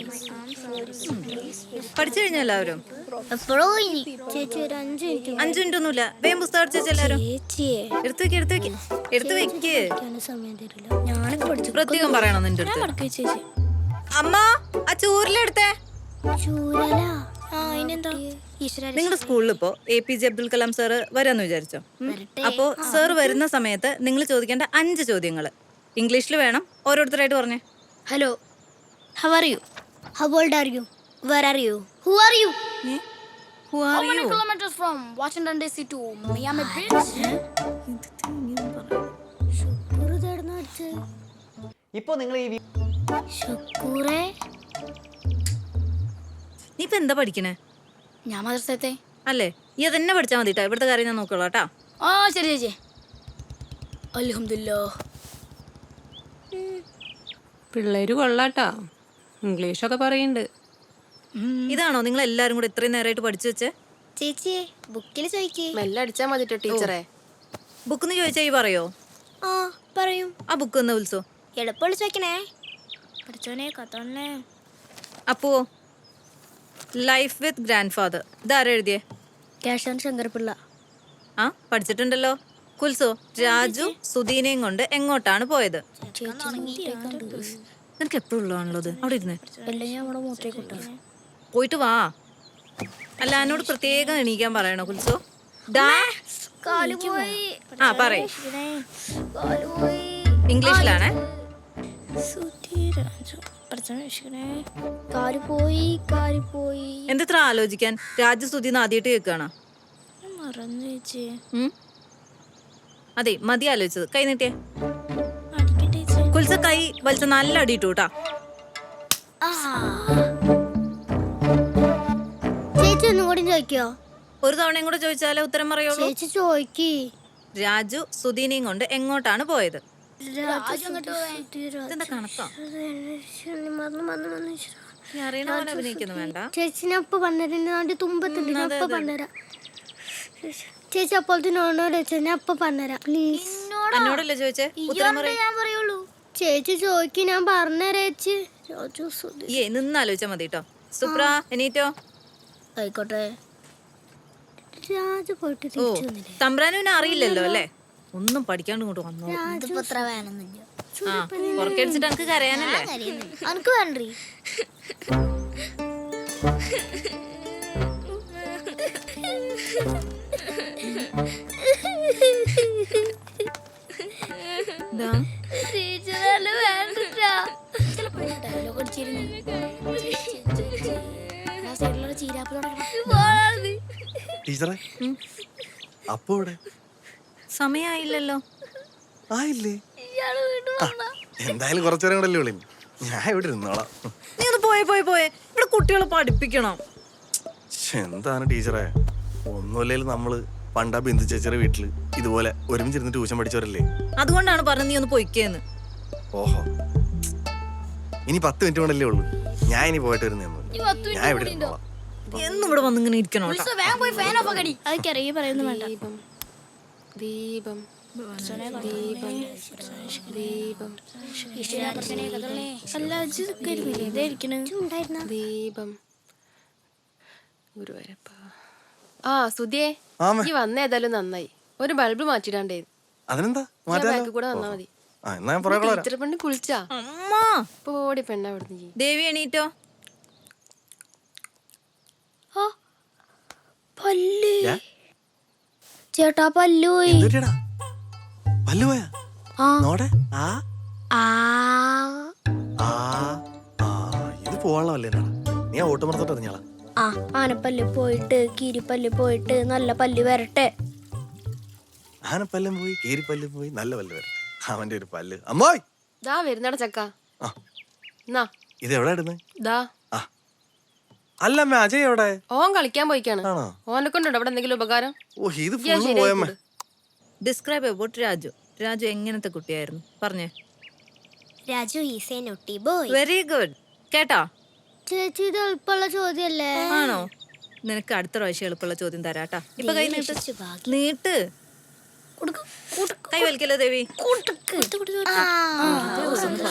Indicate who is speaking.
Speaker 1: പഠിച്ചു കഴിഞ്ഞ എല്ലാവരും?
Speaker 2: എപ്പോഴോ ഇനി ചേച്ചി ഒരു 5 മിനിറ്റ്
Speaker 1: 5 മിനിറ്റ് ഒന്നുമില്ല. വേഗം പുസ്തകം അടിച്ചു എല്ലാവരും.
Speaker 2: ചേച്ചിയെ
Speaker 1: എടുത്തു വെക്ക്.
Speaker 2: സമയം തരില്ല. ഞാനൊക്കെ പഠിച്ചു.
Speaker 1: പ്രത്യേകം പറയണം നിന്റെ അടുത്ത്.
Speaker 2: ചേച്ചി
Speaker 1: അമ്മ ആ ചൂരിലെടുത്തേ.
Speaker 2: ചൂരല അതിനെന്താ?
Speaker 1: നിങ്ങളുടെ സ്കൂളിൽ ഇപ്പോ APJ അബ്ദുൽ കലാം സാറ് വരാന്ന് വിചാരിച്ചോ? അപ്പോ സാർ വരുന്ന സമയത്ത് നിങ്ങൾ ചോദിക്കേണ്ട 5 ചോദ്യങ്ങൾ ഇംഗ്ലീഷിൽ വേണം. ഓരോരുത്തരായിട്ട് പറഞ്ഞേ.
Speaker 2: Hello, how are you? How old are you? Where are you? Who are you?
Speaker 1: Who are
Speaker 2: How many
Speaker 1: you?
Speaker 2: kilometers from Washington DC to Miami Beach?
Speaker 3: ഇപ്പൊ നിങ്ങൾ ഈ
Speaker 2: ശുക്കൂറേ,
Speaker 1: നീ ഇപ്പൊ എന്താ പഠിക്കണേ?
Speaker 2: ഞാൻ മദ്രസത്തെ.
Speaker 1: അല്ലേ, ഈ അതന്നെ പഠിച്ചാൽ മതി കേട്ടോ. ഇവിടുത്തെ കാര്യം ഞാൻ നോക്കോളാം കേട്ടാ.
Speaker 2: ആ ശരി ചേച്ചി. അൽഹംദുലില്ലാ.
Speaker 4: പിള്ളേര് കൊള്ളാട്ടാ, ഇംഗ്ലീഷൊക്കെ പറയുന്നുണ്ട്.
Speaker 1: ഇതാണോ നിങ്ങൾ എല്ലാരും കൂടെ ഇത്രയും നേരമായിട്ട് പഠിച്ചു വെച്ചേ?
Speaker 2: ചേച്ചിയെ ബുക്കിൽ ചോദിക്കേ.
Speaker 5: മെല്ലെ അടിച്ചാ മതിട്ടോ ടീച്ചറെ.
Speaker 1: ബുക്കെന്ന് ചോദിച്ചാ ഈ പറയോ?
Speaker 2: ആ പറയും.
Speaker 1: ആ ബുക്ക് ഒന്ന് വിളിച്ചോ.
Speaker 2: എളുപ്പമുള്ള ചോദിക്കണേ. പഠിച്ചോനെ കത്തോണേ.
Speaker 1: അപ്പോ ലൈഫ് വിത്ത് ഗ്രാൻഡ് ഫാദർ ഇതാരാ എഴുതിയേ?
Speaker 2: കേശവൻ ശങ്കർപിള്ള.
Speaker 1: ആ പഠിച്ചിട്ടുണ്ടല്ലോ. കുൽസോ, രാജു സുധീനയും കൊണ്ട് എങ്ങോട്ടാണ് പോയത്? നിനക്ക് എപ്പോഴും ഉള്ളതാണല്ലോ അത്. അവിടെ ഇരുന്നേ. പോയിട്ട് വാ. അല്ല, എന്നോട് പ്രത്യേകം എണീക്കാൻ പറയണോ കുൽസോ? ആ പറയ്. ഇംഗ്ലീഷിലാണേ. എന്തെത്ര ആലോചിക്കാൻ? രാജു സുധീന്ന് ആദ്യമായിട്ട് കേൾക്കുകയാണ്. അതെ, മതി ആലോചിച്ചത്. കൈ നീട്ടിയേ. കുൽസ കൈ വലിച്ച നല്ല അടിയിട്ടു കേട്ടാ.
Speaker 2: ചേച്ചി ഒന്നും കൂടി ചോദിക്കോ?
Speaker 1: ഒരു തവണയും കൂടെ ചോദിച്ചാലേ ഉത്തരം പറയുള്ളൂ.
Speaker 2: ചേച്ചി ചോദിക്ക്.
Speaker 1: രാജു സുധീനയും കൊണ്ട് എങ്ങോട്ടാണ് പോയത്? ഇതെന്താ കണക്കാ? നീ അറിയണ പോലെ അഭിനയിക്കുന്നു വേണ്ട.
Speaker 2: ചേച്ചി ഞാൻ ഇപ്പൊ പറഞ്ഞിട്ട് തുമ്പത്തുണ്ട്. ഞാൻ ഇപ്പൊ പറഞ്ഞുതരാം. ചേച്ചി അപ്പോഴത്തെ നോണോട് വെച്ചാൽ ഞാൻ ഇപ്പൊ പറഞ്ഞുതരാം പ്ലീസ്.
Speaker 1: എന്നോടല്ലേ ചോദിച്ചേ? ഉത്തരം പറയ്.
Speaker 2: ഞാൻ പറയുള്ളൂ. ചേച്ചി ചോദിക്ക്, ഞാൻ പറഞ്ഞുതരാ ചേച്ചി.
Speaker 1: നിന്നാലോചിച്ചാ മതി കേട്ടോ. സുപ്ര എണീറ്റോ.
Speaker 2: ആയിക്കോട്ടെ. രാജു പോയിട്ട്
Speaker 1: ഓ, തമ്പ്രാനുവിനെ അറിയില്ലല്ലോ അല്ലേ? ഒന്നും പഠിക്കാണ്ട് ഇങ്ങോട്ട് വന്നോ. ആ പുറക്കടിച്ചിട്ട് എനിക്ക് കരയാനല്ലേ?
Speaker 2: അനക്ക് വേണ്ടേ?
Speaker 3: ടീച്ചറെ അപ്പോ
Speaker 1: സമയായില്ലല്ലോ.
Speaker 3: ആയില്ലേ? എന്തായാലും കുറച്ചേരം കൂടെ അല്ലേ ഉള്ളൂ. ഞാൻ ഇവിടെ ഇരുന്നോളാം.
Speaker 1: നീ ഒന്ന് പോയെ. ഇവിടെ കുട്ടികളെ പഠിപ്പിക്കണം.
Speaker 3: എന്താണ് ടീച്ചറെ, ഒന്നുമില്ലേലും നമ്മള് പണ്ടാ ബിന്ദു ചേച്ചിയുടെ വീട്ടില് ഇതുപോലെ ഒരുമിച്ചിരുന്ന് ട്യൂഷൻ പഠിച്ചവരല്ലേ?
Speaker 1: അതുകൊണ്ടാണ് പറഞ്ഞത് നീ ഒന്ന് പൊയ്ക്കേന്ന്.
Speaker 3: ഓഹോ, ഇനി 10 മിനിറ്റ് കൊണ്ടല്ലേ ഉള്ളൂ. ഞാൻ ഇനി പോയിട്ട് വരുന്നേ. ഞാൻ ഇവിടെ ഇരുന്നോളാം.
Speaker 1: എന്നും ഇവിടെ വന്ന് ഇങ്ങനെ ഇരിക്കണോ?
Speaker 5: ദീപം ദീപം ദീപം ദീപം ഗുരുവായൂരപ്പ. ആ സുധിയേ, ഈ വന്ന ഏതായാലും നന്നായി. ഒരു ബൾബ് മാറ്റിടാണ്ടേ.
Speaker 3: അതിനെന്താ
Speaker 5: കൂടെ വന്നാ മതി. ടീച്ചറെ പെണ്ണ് കുളിച്ചാ? പോടി പെണ്ണ അവിടുന്ന്.
Speaker 1: ദേവി എണീറ്റോ.
Speaker 2: ചേട്ടാ പല്ലു പോയി.
Speaker 3: പല്ലു പോയാ? ഇത് പോവാളല്ലേ? നീ ഓട്ടമറത്തോട്ട് എറിഞ്ഞാളാ.
Speaker 2: ആനപ്പല്ല് പോയിട്ട് കീരിപ്പല്ല് പോയിട്ട് നല്ല പല്ല് വരട്ടെ.
Speaker 3: ആനപ്പല്ലും പോയി കീരിപ്പല്ലും പോയി നല്ല പല്ല് വരട്ടെ. അവന്റെ ഒരു പല്ല് അമ്മോയ്
Speaker 5: ദാ വരുന്നട ചക്ക.
Speaker 3: ഇത് എവിടെ ഇടുന്നേ?
Speaker 5: ദാ
Speaker 3: അല്ല അമ്മ, അജയ് എവിടെ?
Speaker 5: ഓൻ കളിക്കാൻ പോയിക്കാണ്. ഓനെ കൊണ്ടുണ്ടോ അവിടെ എന്തെങ്കിലും ഉപകാരം?
Speaker 3: ഓ, ഇത് ഫുള്ള് പോയമ്മ.
Speaker 1: Describe about Raju. രാജു എങ്ങനത്തെ കുട്ടിയായിരുന്നു പറഞ്ഞേ.
Speaker 2: Raju is a naughty boy.
Speaker 1: Very good. കേട്ടോ
Speaker 2: ചേച്ചി, ഇത് എളുപ്പമുള്ള ചോദ്യല്ലേ?
Speaker 1: ആണോ? നിനക്ക് അടുത്ത പ്രാവശ്യം എളുപ്പമുള്ള ചോദ്യം തരാട്ടാ. ഇപ്പൊ കൈ നീട്ട്. കൈ വലിക്കല്ലോ ദേവി.